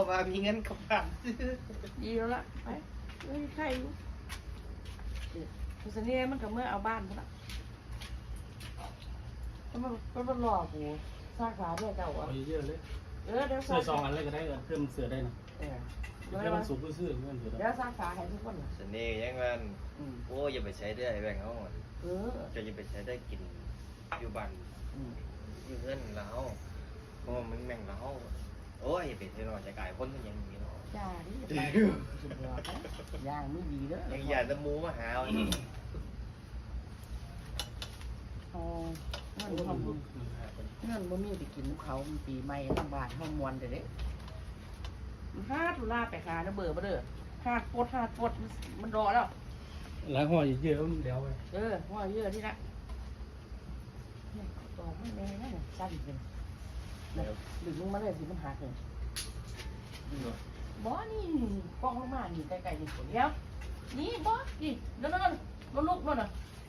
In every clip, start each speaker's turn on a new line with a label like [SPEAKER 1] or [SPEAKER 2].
[SPEAKER 1] ว่ามีเงินกับบ้าน
[SPEAKER 2] ดีแล้วล่ะไปเอ้ยใครอยู่คุณเสน่ห์มันก็เมื่อเอาบ้านพุ่นละมันหลอกกูสร้างขาด้วยเจ้าอ่ะ
[SPEAKER 3] เอาเยอะๆเลย
[SPEAKER 2] เดี๋ยว
[SPEAKER 3] เสื้อซองอันเลยก็ได้เพิ่มเสื้อได้นะ
[SPEAKER 2] เดี๋
[SPEAKER 3] เดี๋ยวมันสุกซื่อๆเพื่อนเถ
[SPEAKER 2] ยว
[SPEAKER 3] อะ
[SPEAKER 2] สร้างขาให้ทุกคนนะ
[SPEAKER 1] เสน่ห์ยังมันโอ้อย่าไปใช้ได้แบ่งเขาหมดจะอย่าไปใช้ได้กินอยู่บ้านอยู่เงินแล้วเพราะมันแม่งแล้วโอ้ยอย่าไปเทนอนจะกลายคนอย่างนี้เนาะ
[SPEAKER 2] จ้าดิสุดยอดนะย่างไม่ดีเด้อ
[SPEAKER 1] ยังอยากจะมูมาหา
[SPEAKER 2] อ๋อเงินเขาเงินบ่มีไปกินเขาปีใหม่ลำบากห้องมวนเด้ฮาดตุลาไปหาเด้อเบอร์บ่เด้อฮาดปดมันรอแล้ว
[SPEAKER 3] แล้วห่อเยอะๆเดี๋ยวไป
[SPEAKER 2] ว่าเยอะที่ละเนี่ยต่อไม่แน่นะสั้นเป็นหรือมึงมาเลยสิมันหาเลยบอนี่กล้องลงมานี่ไกลๆนี่เดี๋ยวนี่บอสนี่นั่นลุกนั่นน่ะ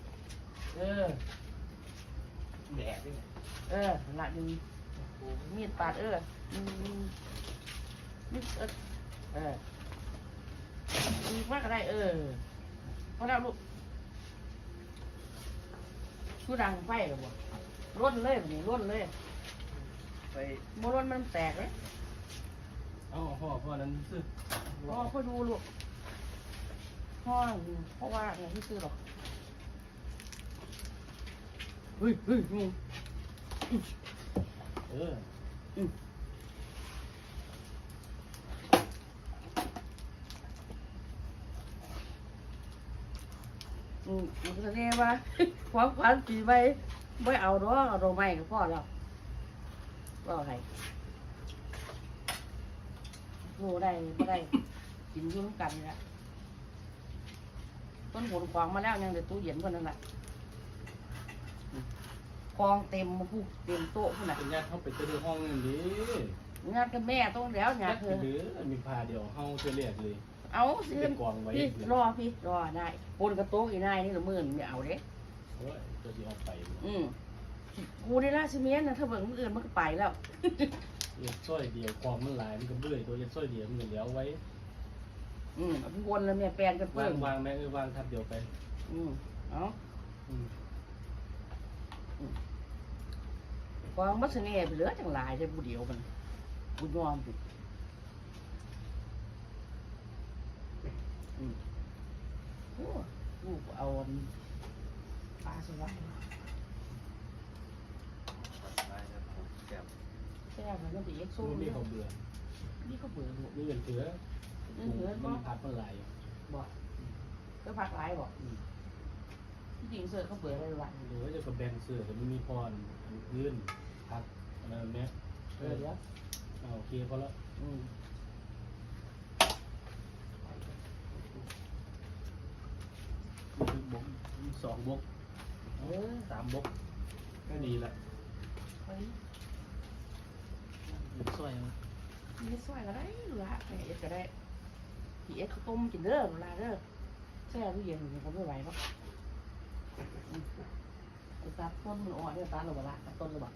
[SPEAKER 1] แดดด้วย
[SPEAKER 2] หลักมีมีดปาดมีมีมากก็ได้พอแล้วลูกชูดังไฟหรือบ่ร่นเลยแบบนี้ร่นเลยไปโมร่นมันแตกเลย
[SPEAKER 3] เอาห่อนั้นซื้อ
[SPEAKER 2] ค่อยดูลูกพ่อเพราะว่าอย่างที่ซื้อหรอกเฮ้ยงูแสดงว่าความฝันปีใบไม่เอาดอกเอาดอกไม้กับพ่อแล้วก็ให้โง่ได้ไม่ได้กินยุ่งกันนี่แหละต้นผลควางมาแล้วยังเดี๋ยวตู้เย็นคนนั้นแหละกองเต็มผู้เต็มโต๊ะขนาด
[SPEAKER 3] เป็นญาติเขาไปเจอห้องนึงดิ
[SPEAKER 2] งานกับแม่ต้องแล้วงานเธอ
[SPEAKER 3] หรือมีพาเดียวห้องจะเรียกเลย
[SPEAKER 2] เอาสิ
[SPEAKER 3] เป็นกองไว้
[SPEAKER 2] พี่รอได้ปนกระโต๊ะอีนายนี่ละมื่นไม่เอาเด้
[SPEAKER 3] โอ้ยตัวที่ออกไป
[SPEAKER 2] กูได้ราชเมียนนะถ้าเบิ่งมืออื่นมันก็ไปแล้ว
[SPEAKER 3] เรียกสร้อยเดียวกองมันหลายมันก็เบื่อตัวเรียกสร้อยเดียวมันเหลียวไว้
[SPEAKER 2] วนแล้วแม่แปลนกันเพิ่ม
[SPEAKER 3] วางแม่วางทับเดียวไป
[SPEAKER 2] เอากองมัสเน่ไปเหลือจังหลายได้บุเดียวมันบุยอมสิโอ้ลูกเอาปลาสวายแช่มันต้องไปเอ็กโซ่
[SPEAKER 3] นี่เขาเบื่อ
[SPEAKER 2] นี่ก็เบื่อลูก
[SPEAKER 3] นี่เงินเถือมันผัดมันไหล
[SPEAKER 2] บอกก็พักหลายบอกที่จริงเสือเขาเบื่ออะไรหวาน
[SPEAKER 3] หรือว่าจะกระแบงเสือแต่ไม่มีพรยื่นพักอะไรแบบนี้
[SPEAKER 2] เดี๋ยว
[SPEAKER 3] โอเคพอแล้วบก2 บก3 บกก็ดีละ
[SPEAKER 2] เฮ้ย
[SPEAKER 3] สวยมั้ย
[SPEAKER 2] มีสวยก็ได้หรือละเอ็ดก็ได้พี่เอ็ดเขาต้มกินเด้อเวลาเด้อแช่ตู้เย็นเขาไม่ไหวหรอกตัดต้นมันอ่อนเนี่ยตัดหรือเปล่าตัดต้นหรือเปล่า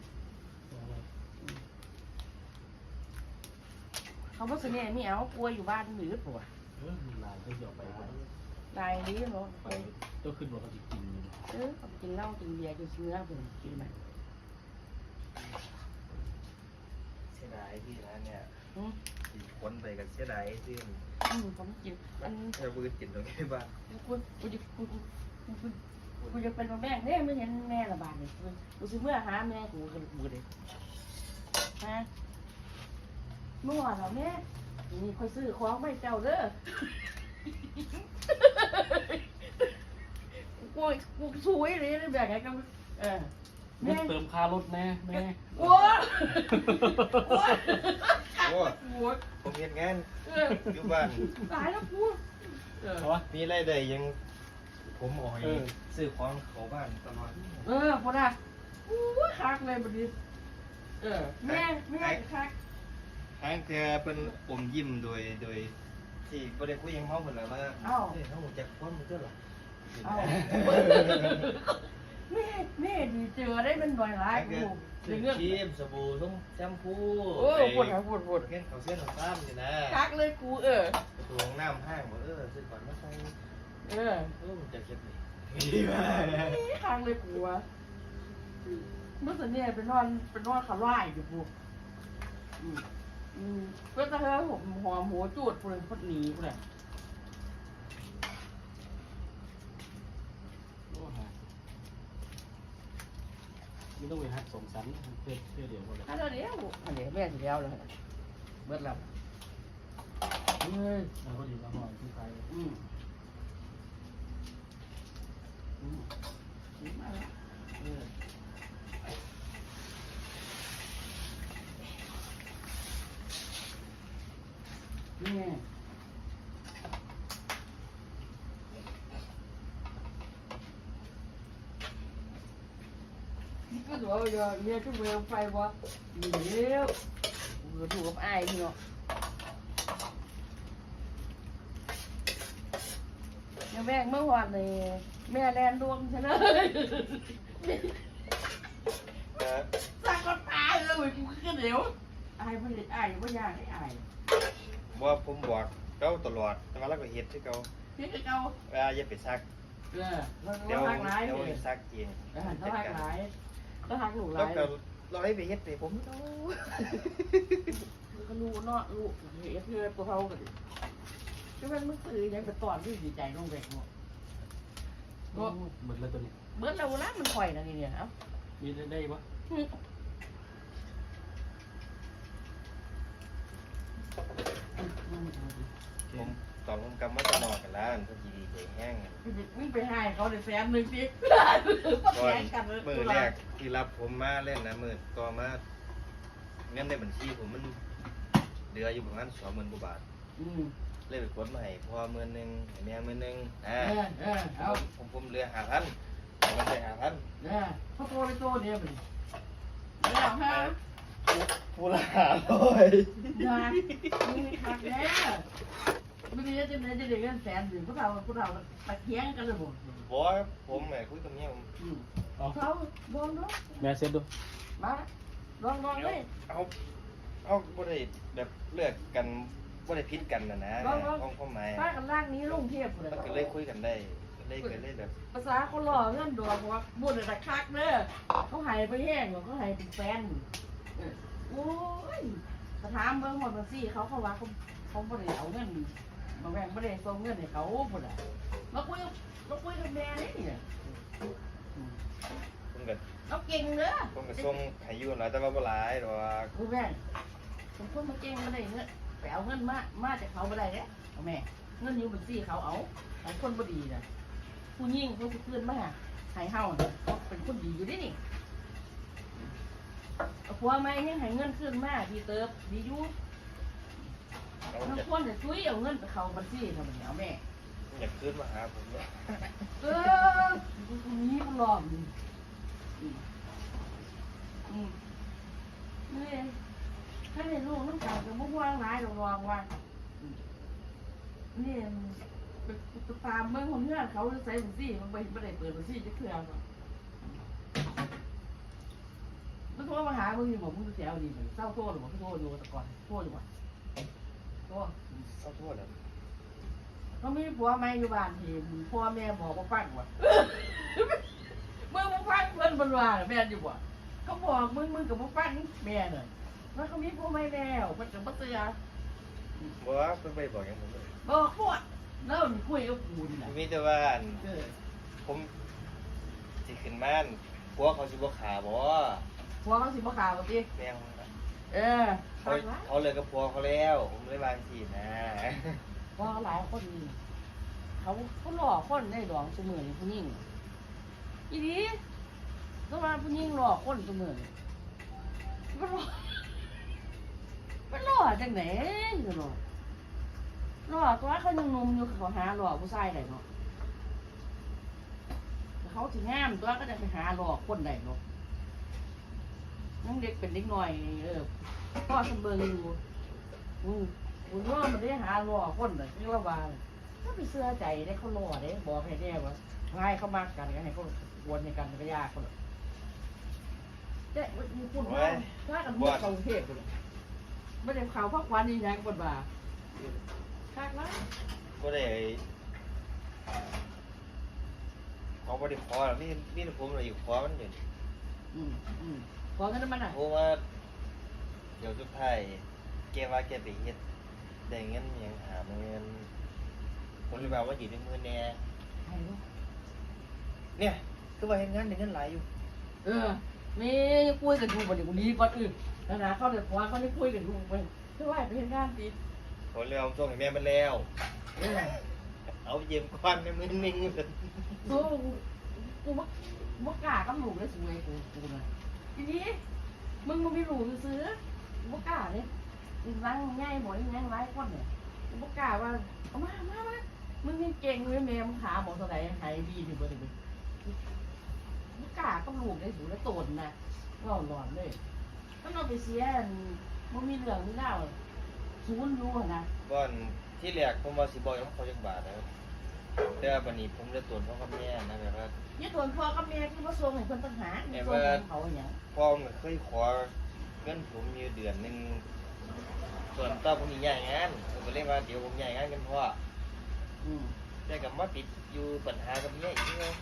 [SPEAKER 2] เขาบอกเสน่ห์มีเอากลัวอยู่บ้านหรือเปล่า
[SPEAKER 3] ลายก็เดี๋ยวไป
[SPEAKER 2] ลายนี้เนาะ
[SPEAKER 3] ไปก็ขึ้นว่าเขาจะกิน
[SPEAKER 2] เขากินเหล้ากินเบียร์กินเนื้อผมกินไหม
[SPEAKER 1] เสียดายที่ร้านเนี่ยคนไปกันเสียดายที่
[SPEAKER 2] ผมกินอัน
[SPEAKER 1] เธอพูดกินตรงนี้บ้าง
[SPEAKER 2] กูจะเป็นแม่เนี่ยไม่เห็นแม่ระบาดเลยกูซื้อเมื่อหาแม่กูกันกูเลยฮะนู่นเหรอแม่นี่คอยซื้อของไม่เจ้าเด้อกูสวยเลยแบบไหนกัน
[SPEAKER 3] แม่เติมค่ารถแม่
[SPEAKER 2] โอ้
[SPEAKER 1] ผมเห็นงานอยู่บ้าน
[SPEAKER 2] ตายแล้วกู
[SPEAKER 1] มีรายได้ยังผมออกซื้อของเขาบ้านตลอด
[SPEAKER 2] พอได้คักเลยบัดนี้แม่คัก
[SPEAKER 1] ทางเธอเป็นอมยิ้มโดยที่ประเด็นคุยยังเมาเหมือนแล้วว่าเขาจะคว้ามันก็หรอ
[SPEAKER 2] แม่ดีเจอได้มันหน่อยหลายกู
[SPEAKER 1] ซื้อ
[SPEAKER 2] เรื่อง
[SPEAKER 1] ครีมสบู่ทุ่งแชมพู
[SPEAKER 2] โอ้ปวดหัวปวด
[SPEAKER 1] เงี้ยเขาเส้นของซ้ำนี่นะ
[SPEAKER 2] คักเลยกู
[SPEAKER 1] ประตูห้องน้ำห้างบอกซื้อก่อนมาใส่มันจะเก็บนี่มาก
[SPEAKER 2] คักเลยกูวะเมื่อสันเนี่ยเป็นนอนขาล่ายอยู่กูก็จะให้ผมหอมหัวจูดคนคนหนีกูเลย
[SPEAKER 3] ไม่ต้องไปหักสองสันเพื่อเดี๋ยวก็เลย
[SPEAKER 2] ถ้าเดี๋ยวอันนี้แม่สิเดียวเลยเบิดแล้วเฮ้ย
[SPEAKER 3] แล้วก็ดีแล้วหอยที่ใคร
[SPEAKER 2] มาแล้วนี่ก็ถือว่าเนี่ยทุกเวลไฟวะเดี๋ยวถูกกับไอ้เนาะยังแบกเมื่อวานเลยแม่แลนดวงฉันเลยสักก็ตายเลยกูขึ้นเดี๋ยวไอ้พ่อเด็กไอ้พ่อยากไอ้
[SPEAKER 1] ว่าผมบอกเขาตลอดแต่ว่าเราก็เฮ็ดที่เขา
[SPEAKER 2] ที่เก่า
[SPEAKER 1] อย่าไปซัก
[SPEAKER 2] เรา
[SPEAKER 1] เดี๋ยว
[SPEAKER 2] หักหลาย
[SPEAKER 1] เดี๋ยว
[SPEAKER 2] เลย
[SPEAKER 1] ซักเอง
[SPEAKER 2] เราหักหลายเราหักหนูห
[SPEAKER 1] แล้ว
[SPEAKER 2] ลาย
[SPEAKER 1] ก็เราให้ไปเฮ็ดไปผม
[SPEAKER 2] ก็รู้เนาะรู้เฮ้ยเพื่อตัวเขากันก็มันมึงตื่นยังไปตอนที่ดีใจน้องแบกหมด
[SPEAKER 3] เหมือนเลยตัวนี้
[SPEAKER 2] เบิร์ดเราละมันข่อยนะนี่เนี่ยเอ้า
[SPEAKER 3] มีได้ปะ
[SPEAKER 1] ผมตอนผมกำมาจะนอนกันแล้วพอดีใจแห้ง
[SPEAKER 2] มึงไปให้เขาได้100,000สิ
[SPEAKER 1] ก่อนมือแรกที่รับผมมาเล่นนะมือต่อมาเงินในบัญชีผมมันเหลืออยู่ประมาณ20,000 กว่าบาทเลยไปกดมาให้พ่อ10,000ให้แม่10,000
[SPEAKER 2] เอา
[SPEAKER 1] ผมเหลือ5,000ผมได้5,000
[SPEAKER 2] เขาโตในโตเนี่ยมันแล้วฮะ
[SPEAKER 1] ผู้ละ500
[SPEAKER 2] นะมึงขัดแน่ไม่ได้จะได้เงิน100,000หรือพวกเราตะเคียงกันเลยหมด
[SPEAKER 1] บอกผมแหมคุยกับเมียผม
[SPEAKER 2] เขาลองดู
[SPEAKER 3] แม่เซ็ตดู
[SPEAKER 2] มาลองเลย
[SPEAKER 1] เอาบ่ได้แบบเลือกกันบ่ได้พิษกันนะความหมาย
[SPEAKER 2] ป้ากันล่างนี้ลงเทียบเลย
[SPEAKER 1] มันก็เลยคุยกันได้เลยแบบ
[SPEAKER 2] ภาษาเขาหล่อเงื่อนดวงว่าบุญแต่คักเด้อเขาหายไปแห้งเขาหายเป็นแฟนโอ้ยสถามเบิ่งหมดมาสิเขาว่าเขาบ่ได้เอาเงินมาแบ่งบ่ได้ส่งเงินให้เขาพุ่นน่ะมาคุยกับแม่นี่เนี่ย
[SPEAKER 1] ผมก็
[SPEAKER 2] เราเก่งเด้อ
[SPEAKER 1] ส่งให้อยู่หลายแต่ว่าบ่หลายดอก
[SPEAKER 2] กูแม่ผมคนมาเก่งมาได้เงินไปเอาเงินมาจากเขาบ่ได้เด้เอาแม่เงินอยู่บัญชีเขาเอาคนบ่ดีน่ะผู้หญิงเขาสิคืนมาให้เฮาเป็นคนดีอยู่ดินี่ผัวไม่ยังให้เงินคืนมาดีเติบดีอยู่บางคนจะช่วยเอาเงินไปเข้าบัญชีทำไมเอาแม่
[SPEAKER 1] อยากคืนมาหาผมเนี่ย
[SPEAKER 2] คนนี้มันหลอมนี่ถ้าในลูกน้ำตาลจะมุ่งว่างร้ายเราลองว่านี่ไปตามเมื่อคนเพื่อนเขาใส่บัญชีมันไม่ได้เปิดบัญชีจะเคลื่อนมันโทรมาหามึงอยู่บอกมึงจะเสียเอาดีเหมือนเศร้าโทษหรือว่าโทษอยู่แต่ก่อนโทษอยู่ว่ะโทษ
[SPEAKER 1] ขอโทษนะ
[SPEAKER 2] เขามีผัวไม่อยู่บ้านที่พ่อแม่บอกว่าฟังว่ะมึงฟังเพื่อนบนว่าแม่อยู่ว่ะเขาบอกมึงกับมึงฟังแม่เนี่ยว่าเขามีผัวไม่แล้วมันกับมาเตือ
[SPEAKER 1] บอกว่าเพิ่นไปบอกอย่างผมเลย
[SPEAKER 2] บอกพวดแล้วมันคุยกับกูนี่แหละ
[SPEAKER 1] มีแต่ว่าผมสิขึ้นม่านพวกเขาสิบ่ขาบ่
[SPEAKER 2] ผัวเขาสิบ่ข่าวกับพี่
[SPEAKER 1] แม่ง
[SPEAKER 2] เขา
[SPEAKER 1] เลยกับพวกเขาแล้วผมเลยบางทีนะ
[SPEAKER 2] ว่าหลายคนเขาหล่อคนได้ดองเสมอผู้หญิงอีดีก็ว่าผู้หญิงหล่อคนเสมอมันหล่อจังไหนจะหล่อตัวเขายังนมอยู่เขาหาหล่อผู้ชายได้เนาะเขาถึงงามตัวก็จะไปหาหล่อคนได้เนาะนั่งเด็กเป็นเด็กหน่อยพ่อสมเบิงอยู่คุณว่ามันได้หาหล่อคนเลยที่ละบาาไปเสื้อใจได้เขาหล่อได้บอกให้แน่ว่าให้เขามากกันก็ให้เขาวนในกันก็ยากเขาแต่มีปุ่นว่าถ้ากันบวชเขาเทพเลยไม่ได้ข่าวพักวันนี้ยังบนบ่าคาดว่า
[SPEAKER 1] ก็ได้เขาไม่ได้ขอหรอกนี่ผมเลยอยู่ขอมันอยู่
[SPEAKER 2] ขอกันมันอ่ะ
[SPEAKER 1] เพราะว่าเดี๋ยวสุดท้ายแกว่าแกไปเฮ็ดได้เงินยังหาเงินผมเลยบอกว่าอยู่ในมือแน่เนี่ยคือว่าเห็นงานได้เงินหลายอยู่
[SPEAKER 2] มีคุยกันดูวันนี้วันนี้ก่อนอื่นนะเขาเดี๋ยวเขาได้คุยกันดูไปช่วยไปเห็นงานดี
[SPEAKER 1] ผมเลยเอาส่งให้แม่มันแล้วเอาเยี่ยมควันในมือนิ่งเลย
[SPEAKER 2] กูมักกล้ากับหลูกเลยสวยกูนะทีนี้มึงไม่รู้ซื้อมักกล้าเลยร่างง่ายหมดยังไร้ก้อนเนี่ยมักกล้าว่าเอามามึงนี่เก่งเลยแม่มึงหาหมอตัวไหนหายดีถึงเบอร์ถึงมักกล้ากับหลูกเลยสูแล้วโตนนะก็หลอนเลยถ้าเราไปเสียมันมีเหลืองมีเล่าศูนย์รู้นะ
[SPEAKER 1] ก่อนที่แรกผมว่าสิบอกยังเขาจักบาทนะครับแต่วันนี้ผมจะตรวจพ่อกับแม่นะแบบว่า
[SPEAKER 2] ยี่ตัวพ่อกับแม่ที่มาส่งให้คนต่างหากส่งเขาอย่าง
[SPEAKER 1] พ่อมันเคยขอเงินผมอยู่เดือนหนึ่งส่วนต่อผมมีย้ายงานผมก็เลยว่าเดี๋ยวผมย้ายงานกันพ่อแต่กับมาติดอยู่ปัญหากับเมียอีกเลย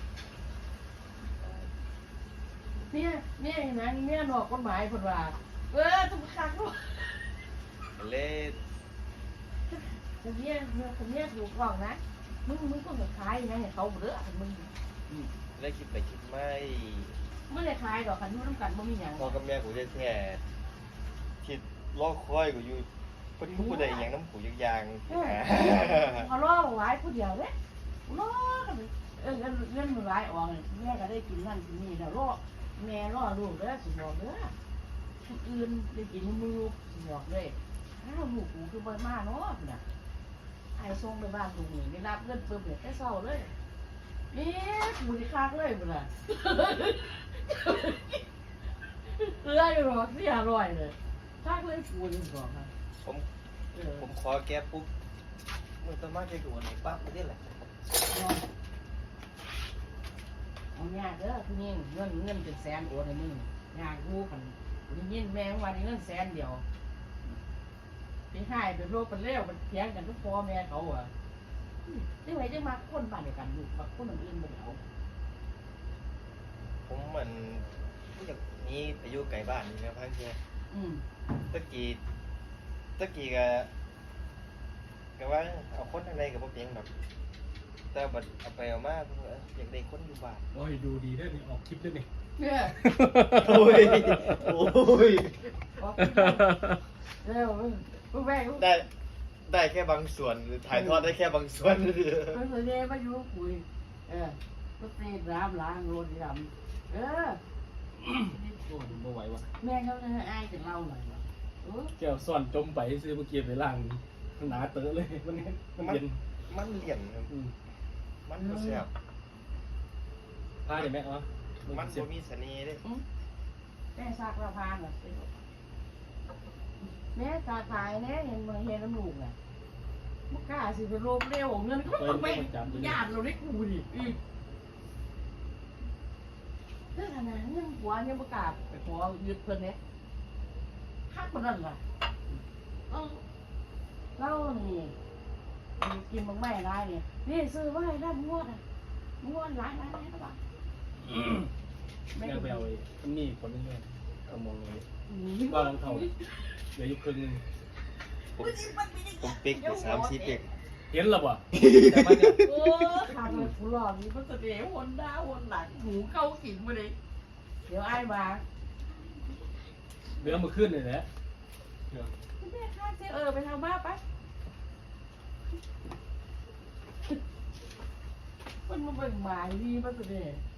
[SPEAKER 2] เนี่ยนะเนี่ยนอกกฎหมายคนว่าต้องคักด้วย
[SPEAKER 1] เลย
[SPEAKER 2] คนเนี่ยถูกกล่องนะมึงต้องขายนะเนี่ยเขาเบื่อมึง
[SPEAKER 1] เลยคิดไปคิดไม่
[SPEAKER 2] ไม่ได้ขายดอกคันนู้นน้ำกันบ่มีอย่าง
[SPEAKER 1] พ่อกับแม่กูจะแท้คิดรอคอยกูอยู่เพิ่นผู้ใดอย่างน้ำผูยยาง
[SPEAKER 2] เขาล่อไว้ผู้เดียวเลยล่อกันเงินมันไว้ออกแม่ก็ได้กินนั่นกินนี่แล้วล่อแม่ล่อลูกเด้อสิบอกเด้อคนอื่นได้กินมือสิบอกเลยอ้าวลูกกูคือบ่มาเนาะน่ะไอ้ส่งไปบ้านตรงนี้ได้รับเงินเพิ่มเลยแค่เศร้าเลยนี่กูนี่คักเลยบ่ล่ะอยู่หรอกที่อร่อยเลยคักเลยกูนี่บอกค่ะ
[SPEAKER 1] ผมขอแกปุ๊บมือต้นไม้ใจกูวันไหนปั๊บไม่ได้แหละ
[SPEAKER 2] เอางานเด้อพี่นี่เงินเป็นแสนโอนให้มึงงานกูกันได้ยินแม่ว่าได้เงินแสนเดียวพี่ให้เป็นโรคเป็นเลี้ยวเป็นเถียงกันทุกพ่อแม่เขาอ่ะที่ไหนจะมาคนบ้านเดียวกันอยู่มาคนอื่นบ่เอา
[SPEAKER 1] ผมมันอยากนี้ไปอยู่ไกลบ้านนี่นะพังเชียตะกี้ก็ว่าเอาคนทางในกับพวกเพียงแบบแต่บัดเอาไปเอามาอยากได้คนอยู่บ้าน
[SPEAKER 3] โอ้ยดูดีได้นี่ออกคลิปได้นี่
[SPEAKER 2] เนี่ย
[SPEAKER 1] โอ้ย
[SPEAKER 2] แม่
[SPEAKER 1] ได้แค่บางส่วนหรือถ่ายทอดได้แค่บางส่วน
[SPEAKER 2] มันเลยเนี่ยมาอยู่คุยก็ตีน้ำล้างรถดำ
[SPEAKER 3] โอ้ยบ่ไหววะ
[SPEAKER 2] แม่เขาจะอายจะเล่าหน่อยวะ
[SPEAKER 3] แก้วซ่อนจมไปซื้อเมื่อกี้ไปล้างหนาเต๋อเลยมันเย็น
[SPEAKER 1] มันเหลี่ยมครับมันก็แซ่บ
[SPEAKER 3] พาเดี๋ยวแม่เอา
[SPEAKER 1] มันบ่มีเสน่ห์เด้
[SPEAKER 2] แม่ซักละพานเหรอแม่ตาขายแน่เห็นมาเห็นน้ำลูกไงมุกกล้าสิไปโรบเร็วเงินก็ไม่ญาติเราได้กูดิเรื่องอะไรเรื่องหัวเนี่ยมุกกล้าไปขอยึดเพิ่นเนี่ยฮักคนนั้นล่ะเล่านี่กินบางแม่ได้เนี่ยนี่ซื้อไว้ได้ม้วนหลายก็บ้าง
[SPEAKER 3] แม่ไปเอาอันนี้คนนึงเลยเอามองเลยก็ลองเท่าเดี๋ยวยุคครึ่งนึง
[SPEAKER 1] ผมปิ๊กไป3-4ปิ๊ก
[SPEAKER 3] เห็นหรอวะ
[SPEAKER 2] โอ้ขาดเลยกูหลอกนี่มันจะเดี๋ยววนหน้าวนหลังหูเข้าขิงมาเลยเดี๋ยวไอ้มา
[SPEAKER 3] เดี๋ยวมาขึ้นเลยแหละ
[SPEAKER 2] แม่ข้าเจไปทำบ้าไปมันมาเบิ่งหมายดีมันจะเดี๋ยว